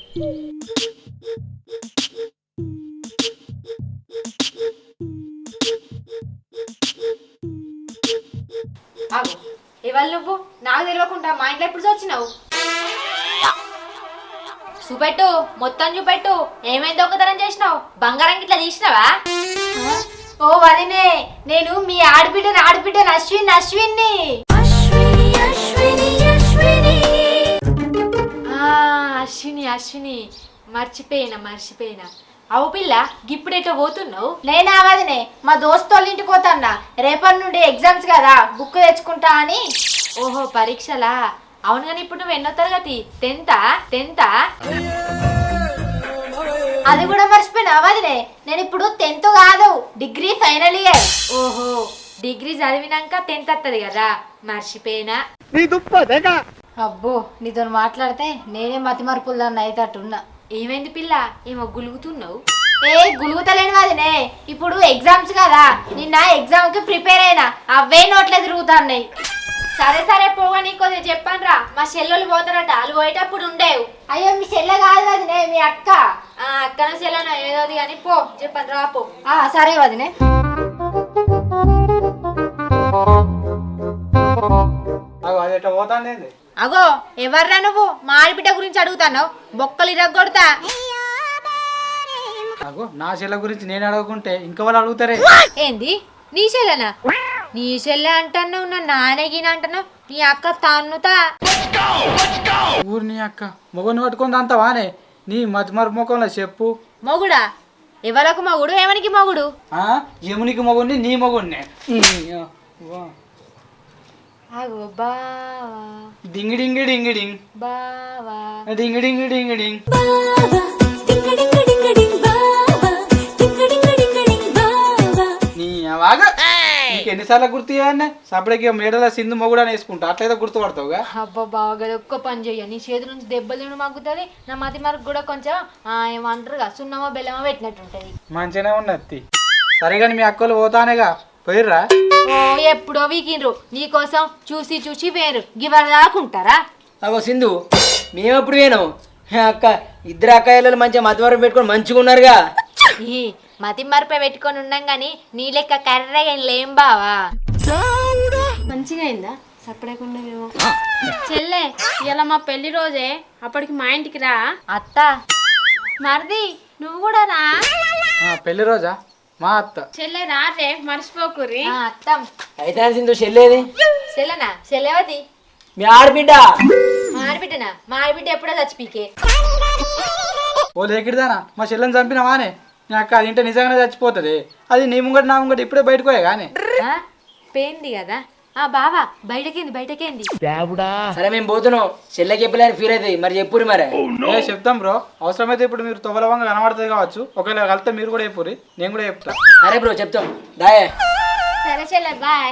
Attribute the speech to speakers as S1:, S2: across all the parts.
S1: ఆగు, ఇవాళ నువ్వు నాకు తెలియకుండా మా ఇంట్లో ఎప్పుడు వచ్చినావు? చూపెట్టు, మొత్తం చూపెట్టు. ఏమైంది దొంగతనం చేసినావు? బంగారం ఇట్లా తీసినావా? ఓ వదినే, నేను మీ ఆడబిడ్డని అశ్విన్ని. అశ్విని మర్చిపోయినా. అవు పిల్ల, గిప్పుడేటో పోతున్నావు?
S2: నేనా వదినే, మా దోస్తోళ్ళ ఇంటికి పోతాన్నా. రేపటి నుండి ఎగ్జామ్స్ కదా, బుక్ తెచ్చుకుంటా అని.
S1: ఓహో, పరీక్షలా? అవును కానీ ఇప్పుడు నువ్వు ఎన్నో తరగతి? టెన్తా?
S2: అది కూడా మర్చిపోయినా వదినే, నేను ఇప్పుడు 10th కాదు, డిగ్రీ ఫైనల్ ఇయర్.
S1: ఓహో, డిగ్రీ చదివినాక 10th వస్తుంది కదా, మర్చిపోయినా.
S2: అబ్బో, నీతో మాట్లాడితే నేనే మతి మరుపులు దాన్ని అయితేట్టున్నా.
S1: ఏమైంది పిల్ల, ఏమో గులుగుతున్నావు?
S2: గులుగుతలేను వదినే, ఇప్పుడు ఎగ్జామ్స్ కదా, నిన్న ఎగ్జామ్ కి ప్రిపేర్ అయినా, అవే నోట్లే తిరుగుతున్నాయి.
S1: సరే పోగా నీకు చెప్పాను రా, మా చెల్లెలు పోతారట, వాళ్ళు పోయేటప్పుడు ఉండేవు.
S2: అయ్యో, మీ చెల్లె కాదు వదినే, మీ అక్క.
S1: అక్కన చెల్లెన ఏదోది కానీ పో, చెప్పాను రా పో.
S2: సరే వదినే.
S1: అగో, ఎవర్రా నువ్వు? మా ఆడబిడ్డ గురించి అడుగుతాను, బొక్కలు ఇరగొడతా.
S3: నా చెల్లె గురించి నేను అడగకుంటే ఇంకా వాళ్ళు అడుగుతారే.
S1: ఏంది నీ చెల్లెనా? నీ చెల్లె అంటున్నావు, నా నాన్నగిన అంటున్నావు, నీ అక్క తన్నుతా.
S3: ఊరు నీ అక్క మొగని పట్టుకుంది అంత వానే, నీ మతిమరు ముఖంలో చెప్పు.
S1: మొగుడా? ఎవరకు మొగుడు? ఏమనికి మొగుడు?
S3: యమునికి మొగుడిని, నీ మొగుడిని.
S1: అగో బావా,
S3: డింగి డింగి డింగి డింగ్,
S1: బావా
S3: డింగి డింగి డింగి డింగ్. నీకు ఎన్నిసార్లు గుర్తు చేయాలనే? సపరేట్గా మేడల సింధు మొగుడు అని వేసుకుంటా, అట్లయితే గుర్తుపడతావుగా.
S1: అబ్బా బాగా ఒక్క పని చెయ్య, నీ చేతి నుంచి దెబ్బలు తినడం మగ్గుతుంది, నా మతి మరకు కూడా కొంచెం ఏమంటారుగా సున్నమో బెల్లమో పెట్టినట్టుంటది.
S3: మంచిగానే ఉన్నది. సరే కానీ మీ అక్కలు పోతానేగా, పోయిర్రా?
S1: ఓ ఎప్పుడో వీకిండ్రు, నీకోసం చూసి వేరు గివర్ దాకుంటారా?
S4: అగో సింధు, మేమెప్పుడు వేను అక్క, ఇద్దరు అక్కయ్యలు మంచిగా మధ్యవరం పెట్టుకొని మంచిగా ఉన్నారుగా.
S1: ఈ మతి మరపై పెట్టుకొని ఉన్నాం గాని నీ లెక్క కర్రగా లేం బావా.
S5: మంచిగా అయిందా? సపడేకుండా చెల్లె, ఇలా మా పెళ్లి రోజే, అప్పటికి మా ఇంటికి రా.
S1: అత్త
S5: మరిది నువ్వు కూడా రా.
S3: పెళ్లి రోజా? మా అత్త.
S5: చెల్లె రా రే, మర్చిపోకుర్రి.
S1: అత్తం.
S4: అయితే సింధు చెల్లేది?
S1: చెల్లెనా? చెల్లెవది?
S4: మీ ఆడబిడ్డ.
S1: మా ఆడబిడ్డనా? మా ఆడబిడ్డ ఎప్పుడో చచ్చిపీకే.
S3: ఓ లేకిడిదానా, మా చెల్లెని చంపినవానే? నీ అక్క అది ఇంటే నిజంగానే చచ్చిపోతుంది. అది నీ ముంగట నా ముంగట ఇప్పుడే బయటకోయే కానీ
S1: పేంది కదా. బావా బయటకేంది.
S4: సరే మేము పోతున్నాం, చెల్లెకి చెప్పలేని ఫీల్ అవుతుంది, మరి చెప్పురి. మరి
S3: చెప్తాం బ్రో, అవసరమైతే ఇప్పుడు మీరు తొవలవంగా కనబడుతుంది కావచ్చు, ఒకవేళ కలితే మీరు కూడా చెప్పురి, నేను కూడా చెప్తా.
S4: సరే బ్రో, చెప్తాం. దాయే.
S5: సరే చెల్లె, బాయ్.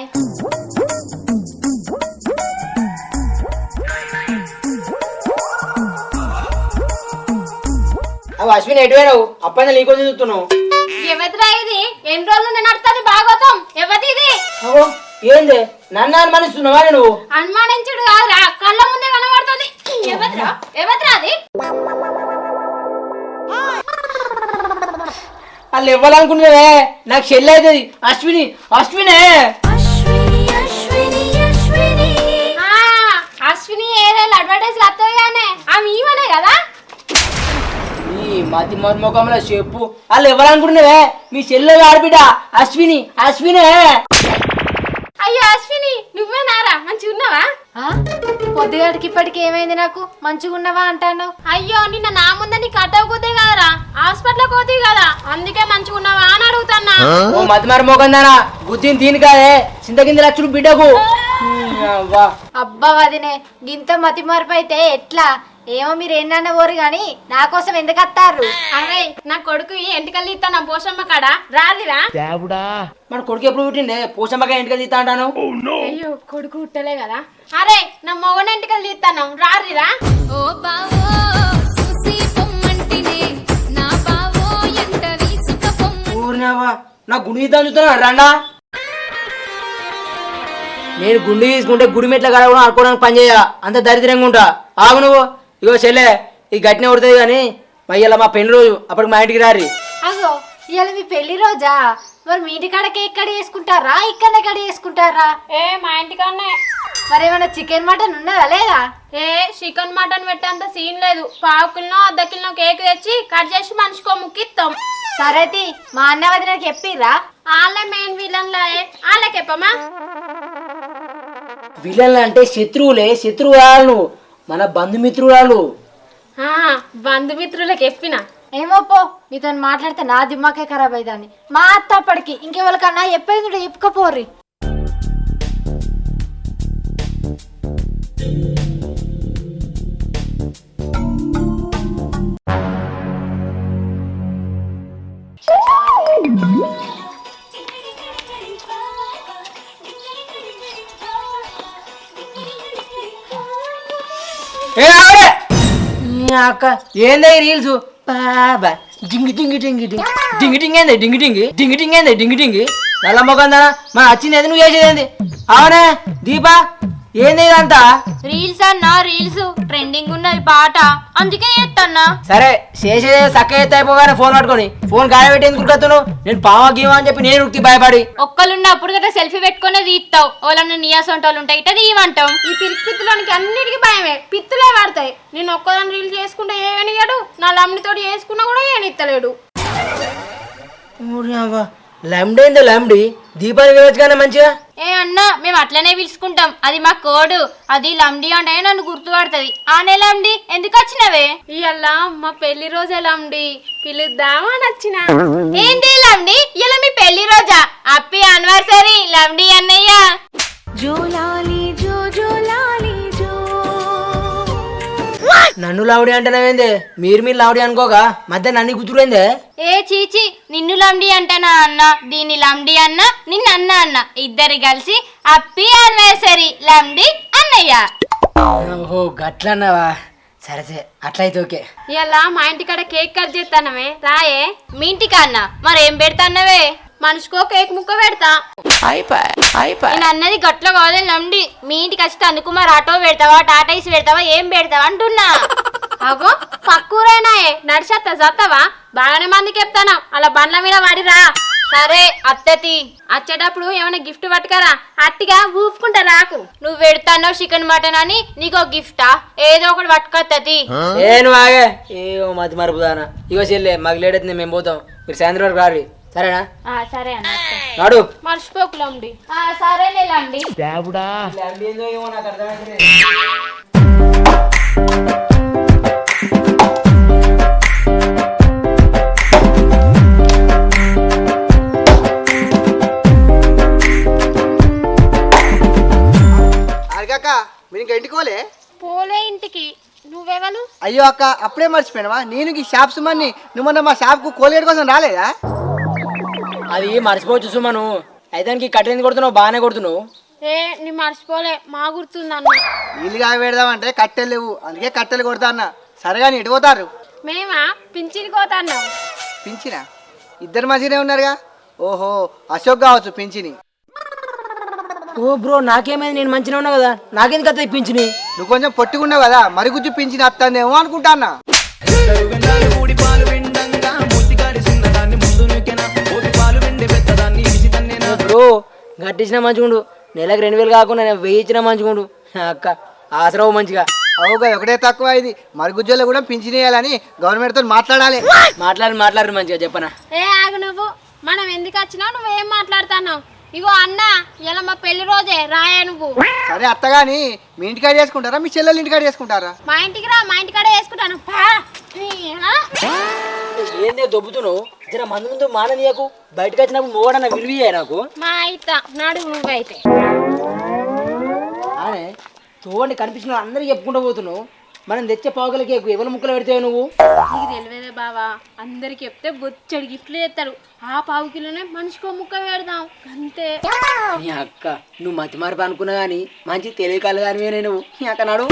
S4: అవి అశ్విని ఎటువైనావు? అప్పని నీకోసం చూస్తున్నావు.
S5: ఎవరిరా ఇది? ఎన్ని రోజులు నేను నడుతుంది భాగవతం? ఎవరి ఇది?
S4: ఏంది నన్ను అనుమానిస్తున్నావా? నువ్వు
S5: అనుమానించుడు కాదురా, కళ్ళ ముందే కనబడుతుంది. ఎవరిరా అది?
S4: వాళ్ళు ఇవ్వాలనుకున్నావే, నాకు చెల్లి అవుతుంది. అశ్వినే.
S5: అశ్విని ఏదైనా అడ్వర్టైజ్ వస్తాయి కానీ ఆమె ఈమెనే కదా.
S4: మతి మర్మకంలో చెప్పు, వాళ్ళు ఇవ్వాలనుకుంటున్నావే, మీ చెల్లె ఆడబిడ్డ అశ్వినే.
S5: అయ్యో అశ్విని, నువ్వేనారా? మంచిగా ఉన్నావా?
S2: పొద్దుగాడికి ఇప్పటికి ఏమైంది? నాకు మంచిగా ఉన్నావా అంటాను.
S5: అయ్యో, నిన్న నా ముందే నీ కట్టవు కూతే కదరా, హాస్పిటల్ కోతే కదా, అందుకే మంచిగా ఉన్నావా అని అడుగుతాన్నా.
S4: ఓ మతి మర్మకందానా, బుద్ధిని దీని కాదే, చింతకింద లక్షలు బిడ్డకు.
S2: అబ్బా వదినే, గింత మతి మార్పు అయితే ఎట్లా? ఏమో మీరు ఏంటన్న ఊరు గాని నా కోసం ఎందుకు వస్తారు?
S5: అరే, నా కొడుకు ఎంటికలు తీస్తాను పోషమ్మ కాడ, రాదిరా?
S4: మన కొడుకు ఎప్పుడు పుట్టిండే? పోషమ్మగా ఎంటికలు తీస్తా అంటాను.
S5: అయ్యో, కొడుకు పుట్టలే కదా. అరే, నా మొగన ఎంటికలు తీస్తాను, రారిరా?
S4: ఊరినావా, నా గుండు తీద్దాం చూస్తున్నా రండా. నేను గుండు తీసుకుంటే గుడి మెట్ల కాడ కూడా ఆడుకోవడానికి పని చేయ, అంత దరిద్రంగా ఉంటా. ఆగు నువ్వు. ఇగో చెల్లె, ఈ గట్టినే ఉడుతుంది కానీ మయ్యలా మా పెళ్లి రోజు అప్పటికి మా ఇంటికి రారి.
S2: అగో ఇవాళ మీ పెళ్లి రోజా? మరి మీ ఇంటికాడ కేక్ కట్ చేసుకుంటారా, ఇక్కడనే కట్ చేసుకుంటారా?
S5: మా ఇంటికన్నే.
S2: మరి ఏమైనా చికెన్ మటన్ ఉన్నదా లేదా?
S5: చికెన్ మటన్ పెట్టేంత సీన్ లేదు. 1/2 కిలో అర్ధ కిలో కేక్ తెచ్చి కట్ చేసి మనిషికో ముక్కిస్తాం.
S2: సరేతి మా అన్న వదినకి చెప్పిర్రా?
S5: వాళ్ళే మెయిన్ విలన్లా, వాళ్ళకి చెప్పమా?
S4: విలన్లు అంటే శత్రువులు నువ్వు, మన బంధుమిత్రురాలు.
S5: బంధుమిత్రులకు చెప్పిన.
S2: ఏమో పో, మీతో మాట్లాడితే నా దిమ్మాకే ఖరాబ్ అయిదాన్ని. మా అత్త అప్పటికి ఇంకెవరికన్నా చెప్పేది చెప్పుకపోర్రి.
S4: అక్క ఏందా ఈ రీల్స్? బాబా డింగి డింగి డింగి డింగి డింగి డింగి ఏంది డింగి డింగి డింగి డింగి ఏంది డింగి డింగి నల్ల మొగందానా మన వచ్చింది ఏది నువ్వు చేసేది? అవునే దీపా, ఏంది ఇదంతా?
S1: రీల్స్ అన్నా, రీల్స్ ట్రెండింగ్ ఉన్నది పాట, అందుకే చేస్తాన్నా.
S4: సరే చేసేదే చక్క ఎత్త అయిపోగానే ఫోన్ పట్టుకొని ఫోన్ గాయ పెట్టి ఎందుకు కుడుతున్నావు? నేను పావా గీవా అని చెప్పి నేను ఉక్కి భయపడి
S1: ఒక్కలున్నప్పుడు గట్రా సెల్ఫీ పెట్టుకునే తీస్తావు. వాళ్ళని నీయాసంటోళ్ళు ఉంటాయి ఇట్లా తీయమంటాం.
S5: ఈ పిరికి పిత్తులోనికి అన్నిటికీ భయమే, పిత్తులే పడతాయి. నేను ఒక్కదాన్ని రీల్ చేసుకుంటే ఏమనిగాడు, నా లమ్మితోటి చేసుకున్నా కూడా ఏనిత్తలేడు.
S4: లమ్డేందో లమ్డి దీపాన్ని వినొచ్చుగానే మంచిగా.
S1: అన్నా మేము అట్లనే పిలుచుకుంటాం, అది మా కోడు. అది లండి అంటే నన్ను గుర్తుపడుతుంది. ఆనే లండి ఎందుకు వచ్చినవే?
S5: ఇయ్యల్లా మా పెళ్లి రోజే లమ్డి, పిలుద్దామా నచ్చిన.
S1: ఏంటి లండి, ఇలా మీ పెళ్లి రోజా? హ్యాపీ యానివర్సరీ లండి అన్నయ్య.
S4: నన్ను లావుడి అంటున్నావేందే? మీరు లావుడి అనుకోగా మధ్య నన్ను గుర్తులేందే?
S1: చీచి, నిన్ను లండి అంటనా అన్న, దీన్ని లండి అన్న, నిన్ను అన్న ఇద్దరు కలిసి హ్యాపీ యానివర్సరీ లండి అన్నయ్య.
S4: ఓహో గట్లన్నావా? సరే సరే అట్లయితే ఓకే.
S5: ఇయ్యల్లా మా ఇంటికాడ కేక్ కట్ చేస్తానవే, రాయే.
S1: మీ ఇంటికి అన్న మరేం పెడతాన్నవే?
S5: మనిషికో కేక్ ముక్క పెడతా.
S1: నేను అన్నది గట్ల కాదు లండి. మీ ఇంటికి వచ్చి అనుకుమార్ ఆటో పెడతావా, టాటాయిస్ పెడతావా, ఏం పెడతావా అంటున్నా.
S5: అగో పక్కూరేనాయే, నడిచేస్తా చస్తావా? బాగానే మందికి చెప్తాను, అలా బండ్ల మీద వాడిరా.
S1: సరే అత్తతి,
S5: వచ్చేటప్పుడు ఏమైనా గిఫ్ట్ పట్టుకరా, అట్టిగా ఊపుకుంటా రాకు.
S1: నువ్వు పెడతాన్నావు చికెన్ మటన్ అని నీకో గిఫ్టా? ఏదో ఒకటి పట్టుకొత్తది.
S4: నువ్వు ఆగే ఏమో మతి మరుపుదానా. ఇగో చెల్లె మాకు లేట్ అవుతుంది, మేము పోతాం, మీరు సాయంత్రం వరకు రారి. సరేనా?
S1: సరే అన్న
S4: నాడు
S5: మర్చిపోకులండి.
S1: సరేనే లండి.
S6: అక్క మీరు ఇంకా ఇంటికి
S5: పోలే ఇంటికి. నువ్వెవరు?
S6: అయ్యో అక్క అప్పుడే మర్చిపోయినావా? నేను ఈ షాప్స్ మన్ని నువ్వు మొన్న మా షాప్కు కోల్గేట్ కోసం రాలేదా?
S4: అది మర్చిపోవచ్చు సుమను. అయితే కట్టెందుకు కొడుతున్నావు? బాగానే కొడుతున్నావు.
S5: నీ మర్చిపోలే, మా గుర్తుందన్న.
S6: నీళ్ళుగా పెడదామంటే కట్టెలు లేవు, అందుకే కట్టెలు కొడతా అన్న. సరేగా ఇటు పోతారు?
S5: మేమా పింఛన్కి పోతాన్నాం.
S6: పింఛనా? ఇద్దరు మంచిగానే ఉన్నారుగా. ఓహో అశోక్ కావచ్చు పింఛని.
S4: ఓ బ్రో నాకేమైంది? నేను మంచిగా ఉన్నా కదా, నాకెందుకు అత్త పింఛని?
S6: నువ్వు కొంచెం పొట్టుకున్నావు కదా, మరి గుజ్జు పింఛని వస్తానేమో అనుకుంటాన్నా.
S4: బ్రో గట్టించిన మంచిగుండు, నెలకు 2000 కాకుండా 1000 ఇచ్చిన మంచిగుండు. అక్క ఆసరావు మంచిగా.
S6: అవుగా ఒకటే తక్కువ ఇది. మరుగుజ్జోలో కూడా పింఛన్ వేయాలని గవర్నమెంట్తో మాట్లాడాలి.
S4: మాట్లాడి మంచిగా చెప్పనా?
S5: ఆగు నువ్వు, మనం ఎందుకు వచ్చినావు? నువ్వేం మాట్లాడుతున్నావు? ఇగో అన్న, ఇలా మా పెళ్లి రోజే రాయా నువ్వు.
S6: సరే అత్తగాని మీ ఇంటికాడ చేసుకుంటారా, మీ చెల్లెలు ఇంటికాడ చేసుకుంటారా?
S5: మా ఇంటికి రా, మా ఇంటికాడే చేసుకుంటాను.
S4: ఏందే దొబ్బుతున్నావు? జర మందు ముందు మాననీయకు. బయటకు వచ్చినప్పుడు మోడన్న విలువయ్యా నాకు.
S5: మా అయిత నాడు నువ్వైతే
S4: అనే చూడండి కనిపించిన అందరికి చెప్పుకుంటూ పోతున్నావు. మనం తెచ్చే పావుగలకి ఎవరి ముక్కలు పెడతావు నువ్వు?
S5: నీకు తెలియదే బావా, అందరికి చెప్తే బొచ్చడి గిఫ్ట్లు చేస్తారు. ఆ 1/2 కిలోనే మనిషికో ముక్క పెడదాం అంతే.
S4: నీ అక్క నువ్వు మతి మార్పు అనుకున్నా కానీ మంచి తెలియకాలు కానీ నువ్వు. నీ అక్క నాడు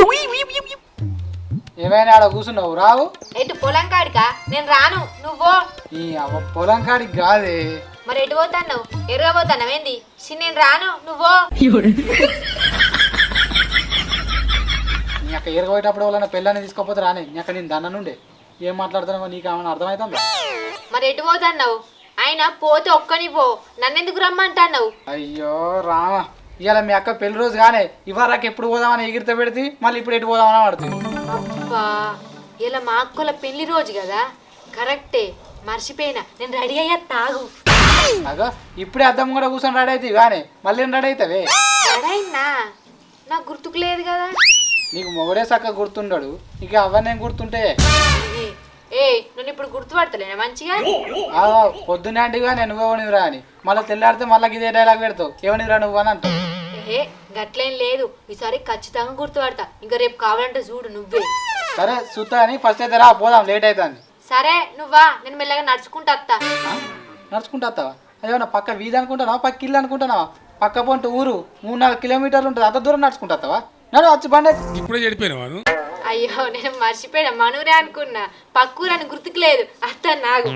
S3: ఏమైనా ఆడ కూర్చున్నావు రావు?
S1: ఎటు పొలం కాడికా? నేను రాను, నువ్వు.
S3: ఈ పొలం కాడికి కాదే.
S1: మరి ఎటు పోతాను? ఎరుగా పోతాను ఏంది? నేను రాను, నువ్వు.
S3: నీ అక్క ఎరగబోయేటప్పుడు వాళ్ళ పెళ్ళని తీసుకోపోతే రానే అక్క నేను దన్న నుండే ఏం మాట్లాడుతున్నావో నీకు ఏమైనా అర్థమవుతుందా?
S1: మరి ఎటు పోతున్నావు? ఆయన పోతే ఒక్కని పో, నన్నెందుకు రమ్మంటున్నావు?
S3: అయ్యో రామ, ఇవాళ మీ అక్క పెళ్లి రోజు కానీ ఇవాళకి ఎప్పుడు పోదామని ఎగిరితే పెడితే మళ్ళీ ఇప్పుడు ఎటు పోదామని పడుతుంది.
S1: అబ్బా, ఇలా మా అక్కల పెళ్లి రోజు కదా, కరెక్టే, మర్చిపోయినా. నేను రెడీ అయ్యా, తాగు.
S3: అగో ఇప్పుడే అద్దం కూడా కూర్చొని రెడీ అవుతాయి కానీ మళ్ళీ రెడీ అవుతావే.
S1: రెడీ అయినా నాకు గుర్తుకు లేదు కదా.
S3: నీకు మొగడే చక్కగా గుర్తుండడు, ఇక అవన్నీ గుర్తుంటే
S1: ఏ నన్ను ఇప్పుడు గుర్తుపడతలేనా మంచిగా?
S3: పొద్దునే అంటిగా నేను నువ్వెవనివిరా అని మళ్ళీ తెల్లాడితే మళ్ళీ ఇదే డైలాగ్ పెడతావు, ఎవనివిరా నువ్వు అని అంటావు.
S1: ఏ గట్లేం లేదు, ఈసారి ఖచ్చితంగా గుర్తుపడతా. ఇంకా రేపు కావాలంటే చూడు నువ్వే.
S3: సరే చూస్తా అని ఫస్ట్ అయితే రా పోదాం, లేట్ అవుతుంది.
S1: సరే నువ్వా, నేను మెల్లగా నడుచుకుంటా వస్తా.
S3: నడుచుకుంటా వస్తావా? అదేమన్నా పక్క వీధి అనుకుంటున్నావా, పక్క ఇల్లు అనుకుంటున్నావా? పక్క పొంటి ఊరు 3-4 కిలోమీటర్లు ఉంటుంది, అంత దూరం నడుచుకుంటా వస్తావా? నడు వచ్చి బండి.
S7: ఇప్పుడే చెడిపోయినావాను.
S1: అయ్యో నేను మర్చిపోయినా, మనూరే అనుకున్నా, పక్కూరని గుర్తుకు లేదు. అత్త నాగు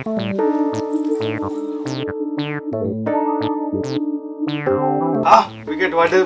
S8: వికెట్ పడ్డది.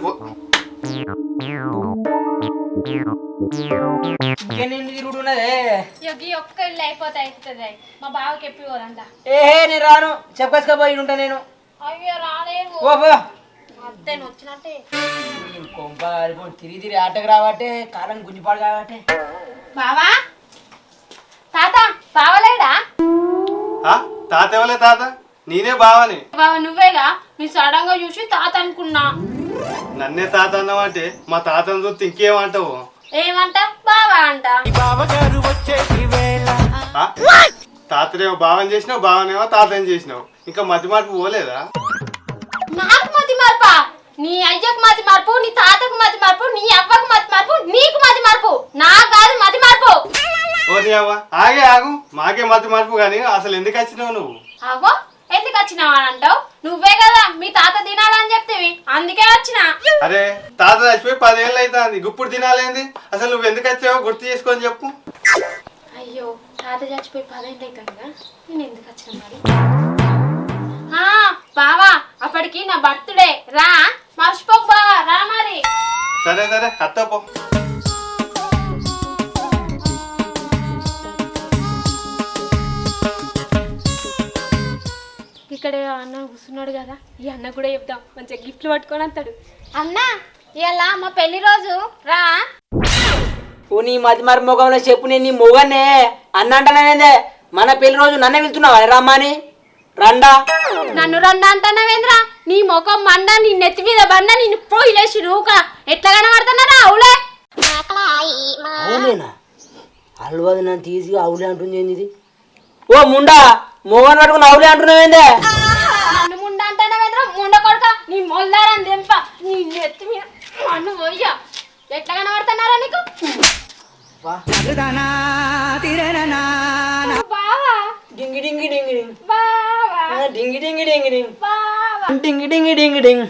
S4: తిరుగుడు ఉన్నదే.
S5: ఒక్క ఇల్లు అయిపోతే అవుతుంది. మా బావకి ఎప్పుడు పోదంట.
S4: నేను రాను, చెప్పకపోయి ఉంటా నేను.
S5: అయ్యో రాలేవు.
S1: అత్తేను వచ్చినట్టే.
S4: కొంప తిరిగి తిరిగి ఆటకు రావట్టే, కాలం గుంజిపాడు కాబట్టి.
S1: బావా, తాత బావలేడా?
S8: తాత ఎవలే తాత? నేనే బావని.
S5: బావ నువ్వేగా, నీ సడన్ గా చూసి తాత అనుకున్నా.
S8: నన్నే తాత అన్నావంటే మా తాతను చూస్తే ఇంకేమంటావు?
S5: ఏమంట? బావా అంట.
S8: తాతనేమో బావని చేసినావు, బావనేమో తాతని చేసినావు. ఇంకా మధ్య మార్పు పోలేదా?
S5: నాకు మతి మార్పా? నీ అయ్యకు మతి మార్పు, నీ తాతకు మతి మార్పు, నీ అవ్వకు మతి మార్పు, నీకు మతి మార్పు, నాకు కాదు మతి మార్పు.
S8: ఓ నీ అవ్వ, ఆగే ఆగు, మాకే మధ్య మార్పు కానీ అసలు ఎందుకు వచ్చినావు నువ్వు?
S5: అవ్వో ఎందుకు వచ్చినావు అని అంటావు? నువ్వే కదా మీ తాత తినాలని చెప్తేవి, అందుకే వచ్చినా.
S8: అరే తాత చచ్చిపోయి 10 ఏళ్ళు అవుతుంది, గుప్పుడు తినాలేంది? అసలు నువ్వు ఎందుకు వచ్చావో గుర్తు చేసుకొని చెప్పు.
S5: అయ్యో తాత చచ్చిపోయి 10 ఏళ్ళు అవుతుందిగా, నేను ఎందుకు వచ్చిన మరి? బావా అప్పటికి నా బర్త్డే, రా, మర్చిపోకు బావా, రా మరి.
S8: సరే సరే అత్తపో.
S5: ఇక్కడ అన్న కూర్చున్నాడు కదా, ఈ అన్న కూడా చెప్తాం, మంచిగా గిఫ్ట్లు పట్టుకొని వస్తాడు.
S2: అన్న ఇలా మా పెళ్లి రోజు రా.
S4: ఓ నీ మతి మరి మొగంలో చెప్పు, నేను నీ మొగనే అన్న అంటానేందే? మన పెళ్లి రోజు నన్నే వెళ్తున్నావా రమ్మని? రండా.
S5: నన్ను రండా అంటున్నావేంద్రా? నీ ముఖం మండ, నీ నెత్తి మీద బండ, నిన్ను పోయిలేసి రూక ఎట్లా కనబడుతున్నారా? అవులే
S4: అవునేనా? అల్వది నన్ను తీసి అవులే అంటుంది ఏంది ఇది? ఓ ముండా, మొగన్ పట్టుకుని అవులే అంటున్నావేందే?
S5: నన్ను ముండ అంటున్నావేంద్రా? ముండ కొడక, నీ మొల్లారని దెంప, నీ నెత్తి మీద మన్ను పోయ్యా ఎట్లా కనబడుతున్నారా నీకు? బావా
S4: డింగి డింగి డింగి డింగ్,
S5: బావా
S4: డింగి డింగి డింగి డింగ్,
S5: బావా
S4: డింగి డింగి డింగి డింగ్.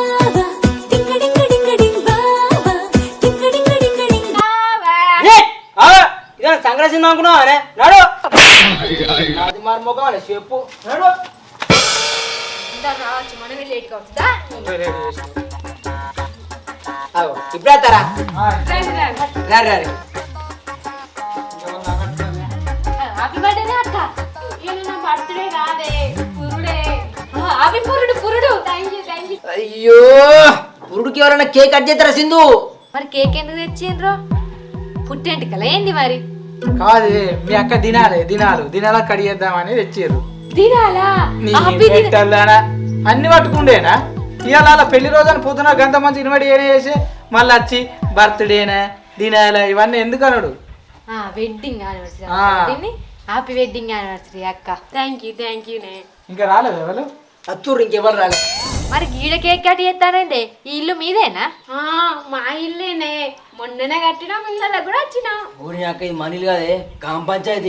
S4: ఇదే సంగ్రహ సినిమా అనుకున్నావా? నాడు అది మరి మొగం అని చెప్పు, నాడు.
S1: రావచ్చు, మనమే లేట్గా వస్తుందా?
S4: ఇప్పుడు వస్తారా? రారు రారు.
S1: హ్యాపీ బర్త్డే అక్క.
S5: ఇది నా బర్త్డే కాదే, పురుడే.
S1: హ్యాపీ పురుడు పురుడు.
S5: Thank you thank you.
S4: అయ్యో పురుడుకి ఎవరైనా కేక్ కట్ చేస్తారా సింధు?
S1: మరి కేక్ ఎందుకు తెచ్చిండ్రు? పుట్టేంటికలా ఏంది మరి?
S3: కాదు మీ అక్క దినాల కడిగేద్దామని తెచ్చారు.
S1: తినాలా?
S3: అన్ని పట్టుకుండేనా? ఇవాళ పెళ్లి రోజు అని పొద్దున గంట మంచి ఇన్వైట్ చేసి మళ్ళీ వచ్చి బర్త్డేనా దినాల ఇవన్నీ ఎందుకు అనడు?
S1: Wedding anniversary, happy wedding anniversary అక్క.
S5: థ్యాంక్ యూ నే.
S3: ఇంకా రాలేదు ఎవరు?
S4: అత్తూరు ఇంకెవరు రాలే.
S1: మరి గీడ కేక్ కట్ చేస్తానండి, ఈ ఇల్లు మీదేనా?
S5: మా ఇల్లేనే, మొన్ననే కట్టినా, మిల్లల కూడా వచ్చినా.
S4: ఊరి అక్క ఇది మనీలు కాదే, గ్రామ పంచాయతీ.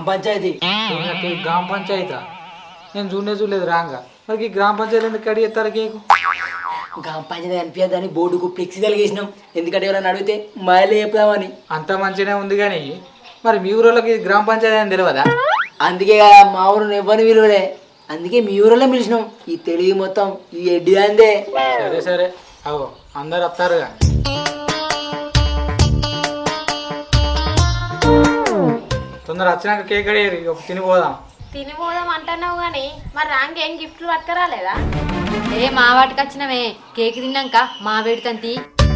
S3: గ్రామ పంచాయతీ నేను చూడలేదు రాంగా. మరి ఈ గ్రామ పంచాయతీ ఎందుకు కడిగేస్తారు కేకు?
S4: గ్రామ పంచాయతీ అనిపించదని బోర్డుకు ఫ్లెక్సీ తలిగేసినాం, ఎందుకంటే ఎవరైనా అడిగితే మాయలే చెప్తామని.
S3: అంత మంచిగానే ఉంది కానీ మరి మీ ఊరోళ్ళకి గ్రామ పంచాయతీ అని తెలియదా?
S4: అందుకే మా ఊరు ఎవరిని విలువలే, అందుకే మీ ఊరిలో పిలిచినాం. ఈ తెలివి మొత్తం ఈ ఎడ్డి అందే.
S3: సరే అవో అందరు వస్తారుగా. తొందర వచ్చినాక కేక్ అడిగేది తినిపోదాం.
S5: తినిపోదాం అంటున్నావు కానీ మరి రాంకేం గిఫ్ట్లు పట్టుకురాలేదా?
S1: ఏ మా వాటికి వచ్చినవే కేక్ తిన్నాక మా వేడితంతి.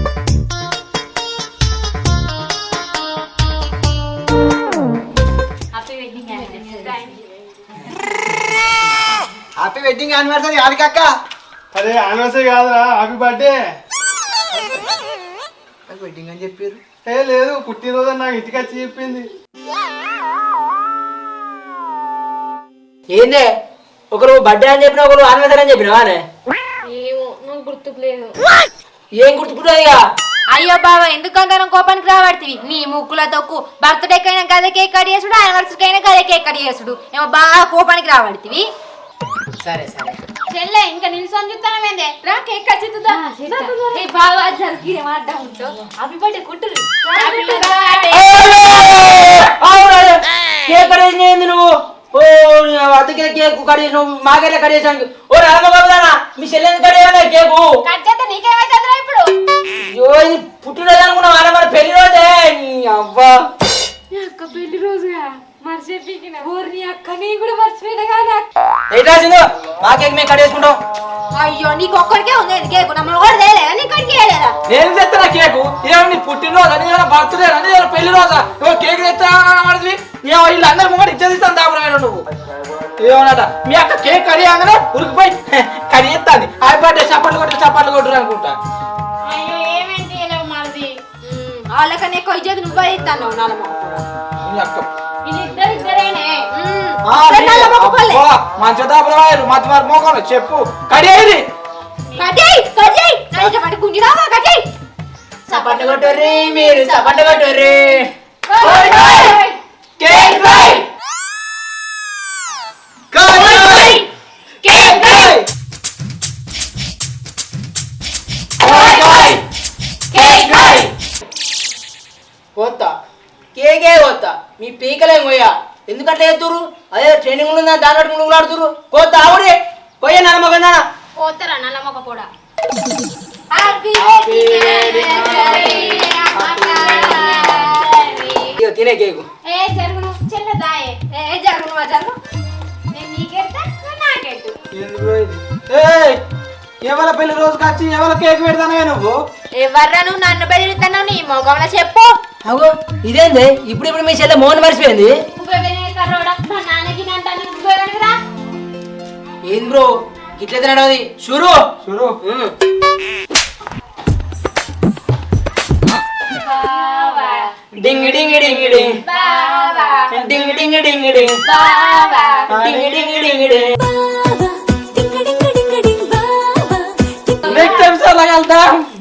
S6: హ్యాపీ వెడ్డింగ్ యానివర్సరీ ఆడికక్క.
S8: అరే యానివర్సరీ కాదురా, హ్యాపీ బర్త్డే.
S6: వెడ్డింగ్ అని చెప్పారు.
S8: ఏ లేదు, పుట్టినరోజు అని నాకు ఇంటికి వచ్చి చెప్పింది.
S4: ఏందే ఒకరు బర్త్డే అని చెప్పిన ఒకరు ఆనివర్సరీ అని చెప్పినావానే?
S5: ఏమో నాకు గుర్తుకు లేదు.
S4: ఏం గుర్తుకుంటుంది ఇక?
S1: అయ్యో బాబా ఎందుకంత కోపానికి రాబడుతుంది నీ ముక్కుల తొక్కు. బర్త్డేకి అయినా గదే కేక్ కట్ చేసుడు, యానివర్సరీకి అయినా గదే కేక్ కట్ చేసుడు. ఏమో బాగా కోపానికి రాబడుతుంది.
S4: సరే సరే
S5: చెల్లె ఇంకా నిల్సొని చూస్తానమేందే, రా కేక్ కట్ చేద్దాం.
S1: బాగా జరిగి ఏమాడ్డా ఉంటావు అవి పట్టే కుట్టురు.
S4: కేక్ కట్ చేసింది నువ్వు? ఓ అతకే కేక్ కట్ చేసి నువ్వు మాకెట్లా కట్ చేసాను? ఓ రామగోదానా మీ చెల్లెని కట్ చేయనా కేకు?
S5: కట్ చేస్తే నీకేమైతుందిరా ఇప్పుడు?
S4: అయ్యో ఇది పుట్టినరోజు అనుకున్నావు అలా మన పెళ్లి రోజే. అవ్వా
S1: అక్క పెళ్లి రోజుగా మర్చిపోయిన ఊరిని అక్క నీ కూడా మర్చిపోయినా కానీ
S4: ఎట్లా సింధు మా కేక్ మేము కట్ చేసుకుంటాం.
S1: అయ్యో నీకు ఒక్కడికే ఉంది కేకు, నమ్మల్ని కూడా తేలేదా నీ కడికి వేయలేదా?
S3: నేను తెస్తానా కేకు? ఏమో నీ పుట్టినరోజు అని బర్త్డే అని పెళ్లి రోజా? కేక్ తెస్తా వీళ్ళు అందరు ముంగడు ఇచ్చేదిస్తాను దాపురాయన నువ్వు ఏమన్నట మీ అక్క కేక్ కడిగానే ఉరికిపోయి కడి ఎత్తాది. హ్యాపీ బర్త్డే చప్పట్లు కొట్టురు అనుకుంటా.
S5: అయ్యో ఏమేంటి మనది?
S1: వాళ్ళకన్నా ఎక్కువ ఇచ్చేది నువ్వే ఇస్తాను నలమ.
S3: మీ అక్క
S5: వీళ్ళిద్దరిద్దరేనే.
S3: మంచి దాపురాయలు మధ్య వారి మోకాలు చెప్పు కడియేది
S4: చప్పట్లు కొట్టుర్రి మీరు చప్పట్లు కొట్టుర్రి.
S3: Cake fry cake fry cake fry
S4: పోతా కేకే పోతా మీ పీకలే పోయా ఎందుకంటే ఎత్తురు అదే ట్రైనింగ్ ఉందా దాని బట్టి ముందు ఆడుతురు కోత ఆవుడే పోయే నమ్మకం
S5: పోతారా నల్లమ్మక కూడా?
S4: తినే కేకు
S5: ఏ జరుగును చిన్నదాయే.
S1: ఏ జరుగు నువ్వు జరుగు.
S5: నేను నీకెడతా, నువ్వు నాకెట్టు.
S3: ఎవరి పెళ్లి రోజుకి వచ్చి ఎవరి కేక్ పెడతానవే నువ్వు?
S1: ఎవర్రా నువ్వు నన్ను బెదిరిస్తున్నావు? నీ మొగంలో చెప్పు.
S4: అగో ఇదేంది ఇప్పుడు మీ చెల్లె మోహన్ మర్చిపోయింది.
S5: నువ్వెవరే కర్రోడా? మా నాన్నకి నంటాను, నువ్వెవరివిరా?
S4: ఏం బ్రో ఇట్లా తినడం షురు
S3: చూడు
S4: డింగ్ డింగ్ డింగ్ డింగ్ డింగ్ డింగ్ డింగ్ డింగ్ డింగ్ డింగ్ డింగ్ డింగ్.
S3: నెక్స్ట్ టైం సార్ వెళ్తాం.